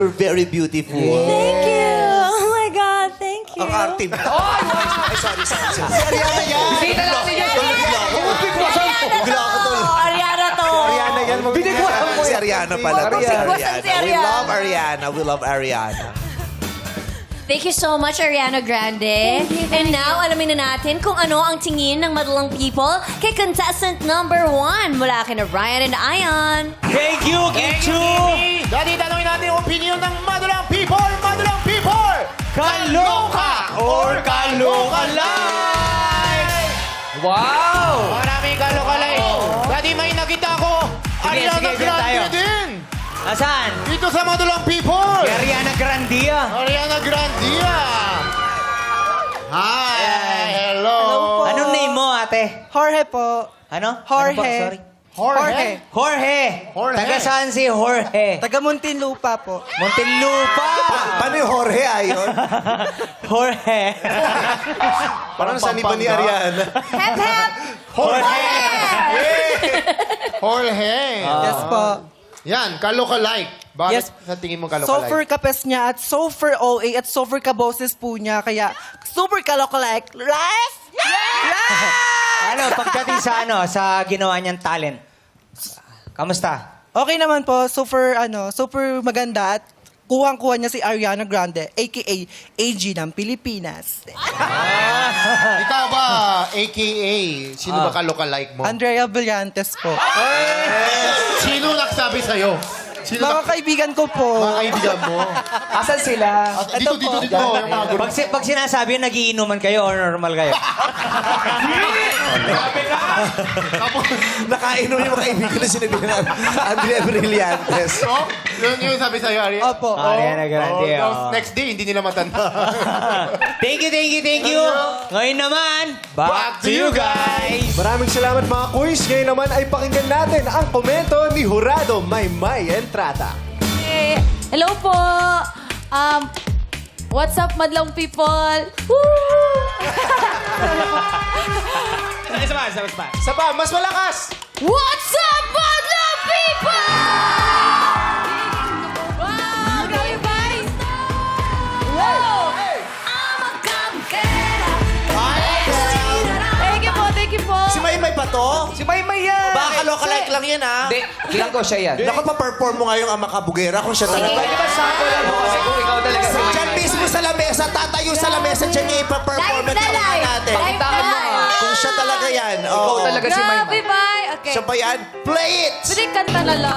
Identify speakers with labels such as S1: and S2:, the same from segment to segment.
S1: You're very beautiful.
S2: Thank you. Oh my God, thank you.
S1: Ang arte mo. Ay, sorry. Si Ariana yan.
S3: Kita natin yan.
S1: Bigla ako to.
S2: Ariana to.
S4: Ariana yan.
S3: Binigwasan mo
S1: Si
S3: yan.
S1: Ariana pala.
S2: Bigwasan si
S1: We
S2: Ariana.
S1: love Ariana. We love Ariana.
S2: Thank you so much, Ariana Grande. And now, alamin na natin kung ano ang tingin ng madalang people kay contestant number 1 mula kina Ryan and Ion.
S4: Thank you, Kim Chu!
S5: Dati tanongin natin yung opinion ng Madulang People! Madulang People!
S4: Kaloka or kaloka live! Wow!
S5: Maraming kalokalay. Dati may nakita ko. Ariana
S4: sige, dyan tayo.
S5: Grande din.
S4: Nasaan?
S5: Dito sa Madulang People.
S4: Si Ariana Grande.
S5: Ariana Grande. Hi. Hello.
S4: Anong name mo, ate?
S6: Jorge po.
S4: Ano?
S6: Jorge.
S4: Ano ba? Sorry.
S5: Jorge.
S4: Jorge.
S5: Jorge.
S4: Taga saan si Jorge?
S6: Taga Muntinlupa po.
S4: Muntinlupa.
S1: Paano yung Jorge ayon?
S4: Jorge.
S1: Parang saan iba ni Ariana?
S2: Hep, hep!
S4: Jorge.
S5: Jorge.
S6: Yes po.
S5: Yan, kalokalike. Bakit
S6: Yes.
S5: sa tingin mo
S6: Super
S5: kalokalike?
S6: kapes niya at super OA at super kaboses po niya. Kaya super kalokalike. Life!
S4: Ano, pagdating sa sa ginawa niyang talent. Kamusta?
S6: Okay naman po. Super maganda at kuhang-kuha niya si Ariana Grande, a.k.a. AG ng Pilipinas.
S5: Ikaw ba, a.k.a. Sino ba kalokalike mo?
S6: Andrea Brillantes po.
S5: Sino nagsabi sa'yo? Sino
S6: Mga kaibigan ko po.
S5: mga kaibigan mo?
S4: Asan sila?
S5: Dito, yung mga group.
S4: Pag sinasabi yun, nagiinuman kayo or normal kayo?
S1: Nakainom yung mga kaibigan na sinabi na Andrea Brillantes.
S5: So, yun yung sabi sa'yo, Ari.
S6: Opo.
S4: Ariana Grande. oh.
S5: Next day, hindi nila matanda.
S4: Thank you. Ngayon naman, back to you guys.
S7: Maraming salamat mga quiz. Ngayon naman ay pakinggan natin ang komento ni Jurado Maymay Entrata.
S8: Hey, hello po. What's up, madlang people? Woo!
S7: Isa pa, mas malakas!
S8: What's up, madlang people? Wow, grabe guys. Wow. Thank you po.
S1: Si Maymay pa to?
S4: Si Maymay yan.
S1: Baka kalokalike lang yan, ha?
S3: Hindi, feeling ko siya yan.
S1: Naku, pa-perform mo ngayong Ama Kabugera kung siya talaga.
S3: Pwede ba sample lang mo kasi kung ikaw talaga si
S1: Diyan mismo sa lamesa, tatayo sa lamesa, diyan niya ipa-perform at tingnan natin. Kung siya talaga yan.
S3: Ikaw
S1: Oo.
S3: talaga si
S8: Grabe,
S3: Maymay.
S8: bye. Okay.
S1: Siya ba yan? Play it!
S8: Pwede kanta na lang.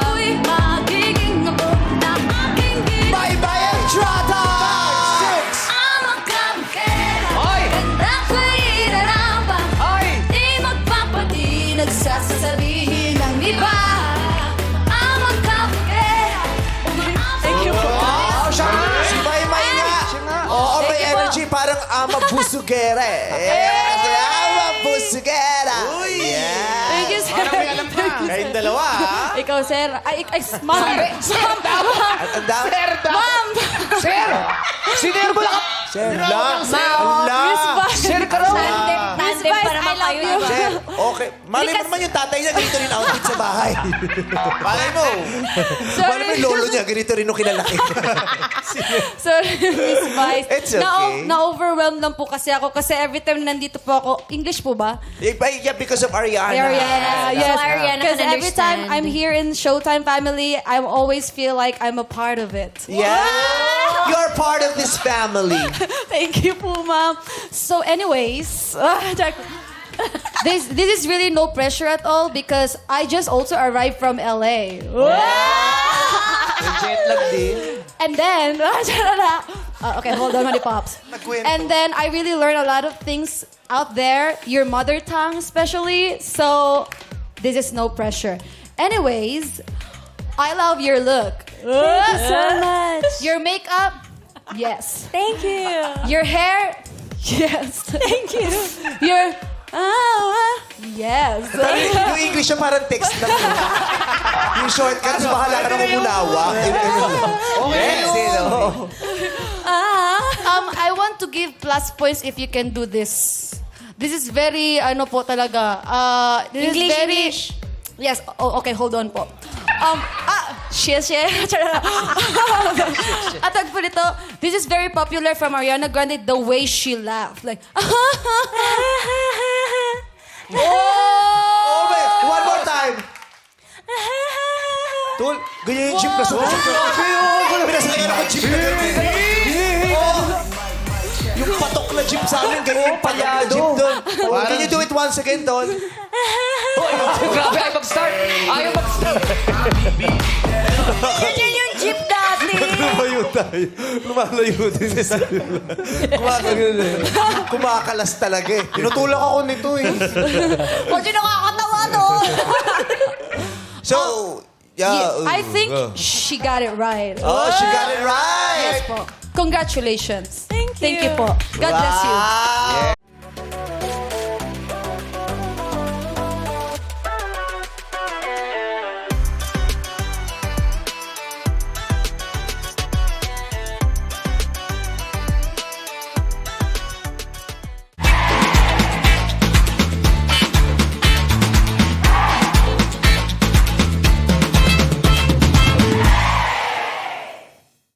S1: Maymay Entrata! 6!
S3: Hoy! Hoy!
S8: Nagsasabihin ng iba ang magkapagera. Thank you po.
S3: Oh, siya nga.
S1: Si Maymay nga. Oo, may energy parang Ama Busugera eh. Yes, Ama Busugera. Yeah.
S8: Thank you, sir.
S1: Kayong dalawa, ha?
S8: Ikaw, sir. Ay, ma'am.
S1: Ang dami.
S8: Ma'am.
S3: Sir! Sinerbo lang ka.
S1: Sir, la.
S8: Miss Vice.
S3: Sir ka raw.
S8: Miss Vice, I love you.
S1: Sir, okay. Malay mo naman yung tatay niya, ganito rin outfit sa bahay. Malay mo. Malay mo yung lolo niya, ganito rin nung kinalaki.
S8: Sorry, Miss Vice.
S1: It's okay.
S8: Na-overwhelmed lang po kasi ako kasi every time nandito po ako, English po ba?
S1: Yeah, because of Ariana.
S8: Yes.
S2: So Ariana
S8: Because
S2: can
S8: every time
S2: understand.
S8: I'm here in Showtime family, I always feel like I'm a part of it.
S1: Yeah. You're part of this family.
S8: Thank you po, ma'am. So anyways, this is really no pressure at all because I just also arrived from LA.
S4: Jet lag din.
S8: And then, okay, hold on, Honey Pops. And then I really learned a lot of things out there, your mother tongue especially. So this is no pressure. Anyways, I love your look.
S2: Thank you so much.
S8: Your makeup, yes.
S2: Thank you.
S8: Your hair, yes.
S2: Thank you.
S8: Your yes.
S1: Yung English siya parang text lang. Yung shortcuts, bahala ka nang umunawa.
S4: Yes,
S8: I want to give plus points if you can do this. This is very, ano po talaga. This is
S2: English,
S8: very,
S2: English.
S8: Yes. Oh, okay, hold on po. At tag po nito, this is very popular from Ariana Grande, the way she laughed. Like,
S1: Oh, wait. One more time. Tol, ganyan yung jeep na sumasok. Pinasalayan ako jeep na ganyan. Oh, yung patok na jeep sa amin, ganyan yung patok na jeep doon. Can you do it once again, Tol?
S3: Grabe, ay mag-start. Ayaw mag-start.
S2: Yan yung jeep dati.
S1: Lumayo tayo. Lumalayo din sa kumakalas talaga eh.
S7: Tinutulak ako nito eh.
S2: Huwag yung nakakatawa doon.
S1: So, yeah.
S8: I think she got it right.
S1: Oh, she got it right.
S8: Yes po. Congratulations.
S2: Thank you.
S8: Thank you po. God bless you.
S1: Wow.